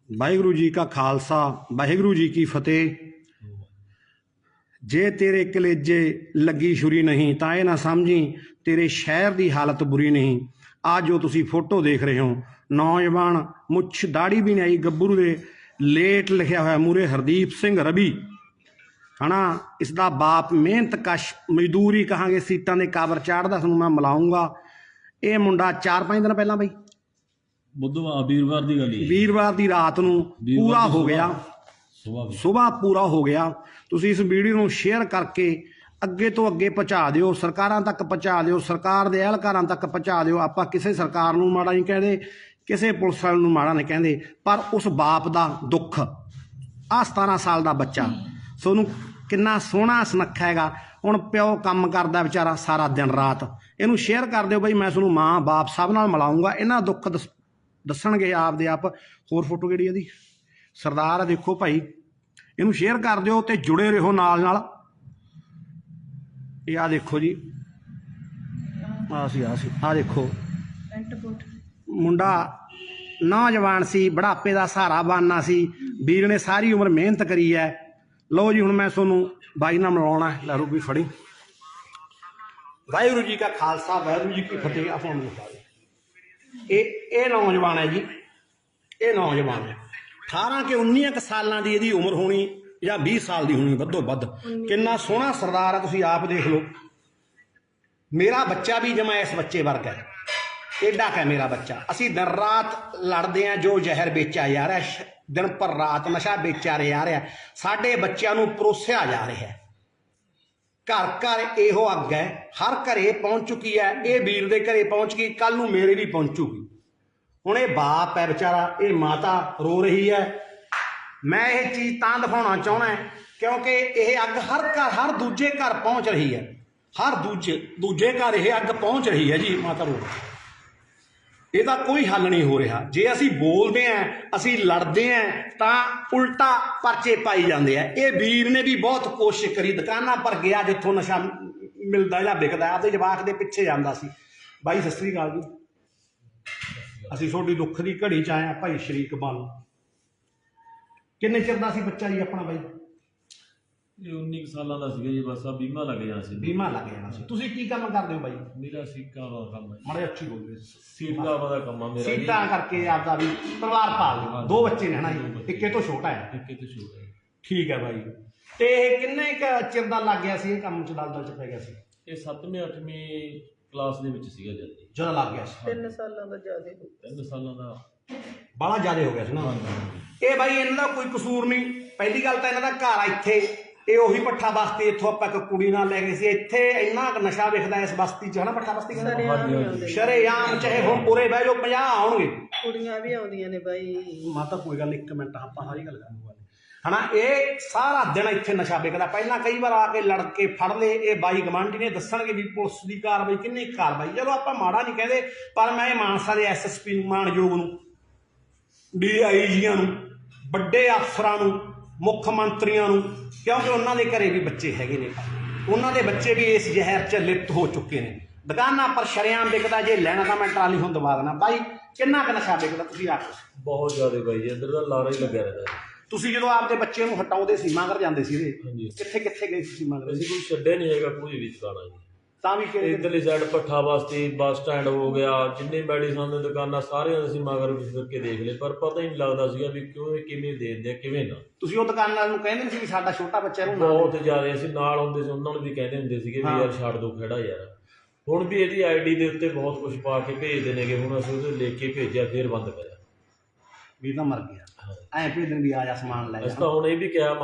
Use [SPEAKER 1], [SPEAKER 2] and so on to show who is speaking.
[SPEAKER 1] ਵਾਹਿਗੁਰੂ जी का खालसा वाहिगुरू जी की फतेह। जे तेरे कलेजे लगी छुरी नहीं तो यह ना समझी तेरे शहर की हालत बुरी नहीं। आज जो तुसी फोटो देख रहे हो नौजवान मुछ दाढ़ी भी नहीं आई गब्बरू दे लेट लिखा हुआ मूरे हरदीप सिंह रवि है ना। इसका बाप मेहनत कश मजदूरी कहांगे सीटां दे काबर चाढ़दा तुहानूं मैं मिलाऊंगा। ये मुंडा 4-5 दिन पहला बई
[SPEAKER 2] बुधवार वीरवार की गल
[SPEAKER 1] वीरवार की रात नूं पूरा हो गया सुबह पूरा हो गया। तुसीं इस वीडियो नूं शेयर करके अगे तो अगे पहुँचा दिओ, सरकारां तक पहुँचा दिओ, सरकार दे अहलकारां तक पहुँचा दिओ। आपां किसी सरकार नूं माड़ा नहीं कहदे, किसी पुलिस वाले नूं माड़ा नहीं कहदे, पर उस बाप दा दुख आ 17 साल दा बच्चा सोनू किन्ना सोहना सुनक्खा हैगा। हुण प्यो काम करदा बेचारा सारा दिन रात, इहनूं शेयर कर दिओ बई। मैं तुहानूं माँ बाप सब नाल मिलाऊंगा, इन्हां दा दुख दस्सणगे आपदे आप। होर फोटो किहड़ी इहदी सरदार है देखो भाई, इनू शेयर कर दिओ ते जुड़े रहो नाल नाल। ये आ देखो जी आ देखो मुंडा नौजवान सी, बुढ़ापे का सहारा बनना सी, वीर ने सारी उम्र मेहनत करी है। लो जी हुण मैं तुहानूं बाई नाल मिलाउणा है। लै रूबी फड़ी। वाहिगुरू जी का खालसा वाहिगुरू जी की फतेह। आप ये नौजवान है जी, ये नौजवान है 18 के 19 सालों की यदि उम्र होनी या 20 साल की होनी वधो वध। कितना सोहना सरदार है, तुसीं आप देख लो। मेरा बच्चा भी जमा इस बच्चे वर्ग है, एडा क मेरा बच्चा। असीं दिन रात लड़ते हैं, जो जहर बेचा जा रहा है, दिन पर रात नशा बेचा जा रहा है, साडे बच्चों नूं परोसिया जा रहा है। घर घर इहो अग है, हर घरे पहुँच चुकी है। ये वीर दे घरे पहुँच गई, कल नूं मेरे भी पहुँचूगी। हुण ये बाप है बेचारा, ये माता रो रही है। मैं ये चीज़ तां दिखाना चाहना है क्योंकि यह अग हर घर हर दूजे घर पहुँच रही है, हर दूजे घर यह अग पहुँच रही है जी। माता रो ਇਹਦਾ कोई हल नहीं हो रहा। जे असी बोलते हैं, असी लड़ते हैं, तो उल्टा परचे पाई जाते हैं। ये वीर ने भी बहुत कोशिश करी, दुकाना पर गया जिथों नशा मिलता या बिकता, आपके जवाक के पिछे जाता सी। बाई सत श्री अकाल जी, असी थोड़ी दुख की घड़ी च आए भाई शरीक बन। किन्ने चिर दा सी बच्चा जी अपना बाई?
[SPEAKER 2] 19 सालों का जी, बस आ बीमा लग जाना सी।
[SPEAKER 1] बीमा लग जाना सी। तुसीं की काम करदे हो बाई?
[SPEAKER 2] मेरा सीटा का काम है।
[SPEAKER 1] माड़े अच्छी बोल रहे।
[SPEAKER 2] सीटा का काम है मेरा।
[SPEAKER 1] सीटा करके आपदा भी परिवार पाल लिया। 2 बच्चे ने है ना जी, इक्के तो छोटा है।
[SPEAKER 2] इक्के तो छोटा है।
[SPEAKER 1] ठीक है भाई। ते किन्ने क चिर दा लग गया सी ये काम च, दलदल च पै गया सी?
[SPEAKER 2] ये 7वीं 8वीं क्लास ਦੇ ਵਿੱਚ ਸੀਗਾ ਜਦ
[SPEAKER 1] ਜਦੋਂ ਲੱਗ ਗਿਆ ਸੀ।
[SPEAKER 3] 3 ਸਾਲਾਂ ਦਾ ਜ਼ਿਆਦਾ ਹੋ ਗਿਆ।
[SPEAKER 2] 3 ਸਾਲਾਂ ਦਾ
[SPEAKER 1] ਬੜਾ ਜ਼ਿਆਦਾ ਹੋ ਗਿਆ ਸੀ ਨਾ। ਇਹ ਬਾਈ ਇਹਨਾਂ ਦਾ ਕੋਈ ਕਸੂਰ ਨਹੀਂ। ਪਹਿਲੀ ਗੱਲ ਤਾਂ ਇਹਨਾਂ ਦਾ ਘਰ ਇੱਥੇ, ਇਹ ਉਹੀ ਪੱਠਾ ਬਸਤੀ, ਇੱਥੋਂ ਆਪਾਂ ਇੱਕ ਕੁੜੀ ਨਾਲ ਲੈ ਗਏ ਸੀ। ਇੱਥੇ ਇੰਨਾ ਨਸ਼ਾ ਵਿਕਦਾ ਇਸ ਬਸਤੀ 'ਚ, ਹੈ ਨਾ। ਪੱਠਾ ਬਸਤੀ ਕਹਿੰਦੇ ਸ਼ਰੇਆਮ, ਚਾਹੇ ਹੁਣ ਪੂਰੇ ਬਹਿ ਜਾਓ 50 ਆਉਣਗੇ।
[SPEAKER 3] ਕੁੜੀਆਂ ਵੀ ਆਉਂਦੀਆਂ ਨੇ ਬਾਈ।
[SPEAKER 1] ਮਾਤਾ ਕੋਈ ਗੱਲ, 1 ਮਿੰਟ ਆਪਾਂ ਸਾਰੀ ਗੱਲ ਕਰਾਂਗੇ है ना। ये सारा दिन इत्थे नशा बिकदा। पहला कई बार आके लड़के फड़ ले, ये बाई गवांढी ने दसणगे भी पुलिस की कार्रवाई किन्नी कार्रवाई। चलो आप माड़ा नहीं कहते, पर मैं मानसा के SSP मानयोग नूं, DIGयां नूं, वड्डे अफसरां नूं, मुख मंत्रियों नूं, क्योंकि उन्होंने घरे भी बच्चे हैगे ने, उन्होंने बच्चे भी इस जहर च लिप्त हो चुके हैं। दुकाना पर शरेआम बिकदा, जे लैना तो मैं ट्राली हुण दबा देना। बाई किन्ना क नशा बिकदा तुसीं आखो?
[SPEAKER 2] बहुत ज़्यादा बाई, इधर का लारा ही लग्या रहता है।
[SPEAKER 1] ਤੁਸੀਂ ਜਦੋਂ ਆਪਦੇ ਬੱਚੇ ਨੂੰ ਹਟਾਉਂਦੇ ਸੀ, ਮਗਰ ਜਾਂਦੇ ਸੀ ਇਹਦੇ, ਕਿੱਥੇ ਕਿੱਥੇ ਗਏ ਸੀ ਮਗਰ?
[SPEAKER 2] ਅਸੀਂ ਕੋਈ ਛੱਡਿਆ ਨਹੀਂ ਹੈਗਾ ਕੋਈ ਵੀ ਦੁਕਾਨਾਂ ਜੀ।
[SPEAKER 1] ਤਾਂ ਵੀ
[SPEAKER 2] ਇੱਧਰਲੀ ਸਾਈਡ ਭੱਠਾ ਬਸਤੀ, ਬੱਸ ਸਟੈਂਡ ਹੋ ਗਿਆ, ਜਿੰਨੇ ਮੈਡੀਸਨ ਦੀਆਂ ਦੁਕਾਨਾਂ ਸਾਰੀਆਂ ਅਸੀਂ ਮਗਰ ਫਿਰ ਕੇ ਦੇਖ ਲਏ, ਪਰ ਪਤਾ ਹੀ ਨਹੀਂ ਲੱਗਦਾ ਸੀਗਾ ਵੀ ਕਿਉਂ ਕਿਵੇਂ ਦੇ ਦਿੰਦੇ ਆ ਕਿਵੇਂ ਨਾ।
[SPEAKER 1] ਤੁਸੀਂ ਉਹ ਦੁਕਾਨਾਂ ਨੂੰ ਕਹਿੰਦੇ ਸੀ ਵੀ ਸਾਡਾ ਛੋਟਾ ਬੱਚਾ ਇਹਨੂੰ
[SPEAKER 2] ਬਹੁਤ ਜ਼ਿਆਦਾ ਅਸੀਂ ਨਾਲ ਹੁੰਦੇ ਸੀ, ਉਹਨਾਂ ਨੂੰ ਵੀ ਕਹਿੰਦੇ ਹੁੰਦੇ ਸੀਗੇ ਵੀ ਯਾਰ ਛੱਡ ਦੋ ਖੜਾ ਯਾਰ। ਹੁਣ ਵੀ ਇਹਦੀ ID ਦੇ ਉੱਤੇ ਬਹੁਤ ਕੁਝ ਪਾ ਕੇ ਭੇਜਦੇ ਨੇਗੇ, ਹੁਣ ਅਸੀਂ ਉਹਦੇ ਲਿਖ ਕੇ ਭੇਜਿਆ, ਫਿਰ ਬੰਦ ਕਰਿਆ।
[SPEAKER 1] ਵੀ ਤਾਂ ਮਰ ਗਿਆ ਐਂ ਭੇਜਣ ਵੀ ਆ ਜਾ ਸਮਾਨ ਲੈ ਜਾ।
[SPEAKER 2] ਅਸੀਂ ਤਾਂ ਹੁਣ ਇਹ ਵੀ ਕਿਹਾ